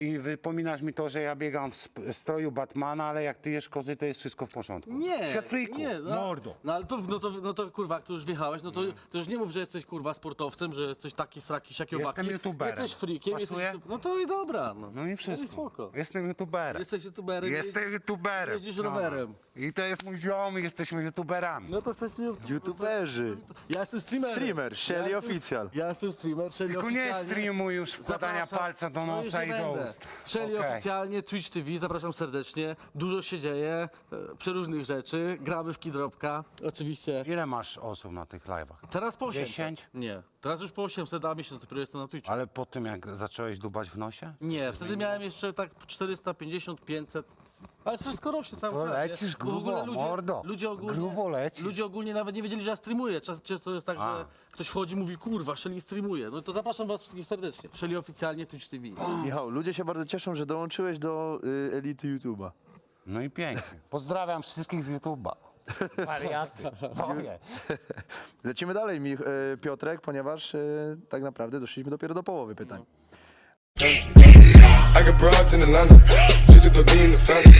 I wypominasz mi to, że ja biegam w stroju Batmana, ale jak ty jesz kozy, to jest wszystko w porządku. Nie, Świat frików, nie, mordo. No ale to, no to kurwa, jak tu już wjechałeś, no to już nie mów, że jesteś kurwa sportowcem, że jesteś taki sraki, siaki, owaki. Jestem youtuberem. Jesteś freakiem, Pasuje? no to i dobra. No i wszystko. No i spoko. Jestem youtuberem. Jesteś youtuberem. Jestem youtuberem. Jeździsz rowerem. I to jest mój ziom i jesteśmy youtuberami. No to jesteś YouTuberzy. Ja jestem streamerem. Streamer, Shelly Official. Ja jestem streamer, Shelly Tylko nie oficjalnie. streamuj już wkładania Zapraszam. palca do No już nosa nie i do będę. ust. Shelly Okej. oficjalnie, Twitch TV, zapraszam serdecznie. Dużo się dzieje, przeróżnych rzeczy. Gramy w Kidropka, oczywiście. Ile masz osób na tych live'ach? Teraz po 800. 10? Nie, teraz już po 800, a miesiąc dopiero jestem na Twitchu. Ale po tym, jak zacząłeś dubać w nosie? Nie, wtedy miałem jeszcze tak 450, 500. Ale wszystko rośnie cały To czas. lecisz nie? Bo w ogóle grubo, mordo. Grubo lecisz. ludzie ogólnie nawet nie wiedzieli, że ja streamuję. Często jest tak, że ktoś wchodzi i mówi, kurwa, Shelly streamuje. No to zapraszam was wszystkich serdecznie. Shelly oficjalnie Twitch TV. Michał, ludzie się bardzo cieszą, że dołączyłeś do elity YouTube'a. No i pięknie. Pozdrawiam wszystkich z YouTube'a. Wariaty. Boję. Lecimy dalej, Piotrek, ponieważ tak naprawdę doszliśmy dopiero do połowy pytań. I got broads in Atlanta, just to lean the family.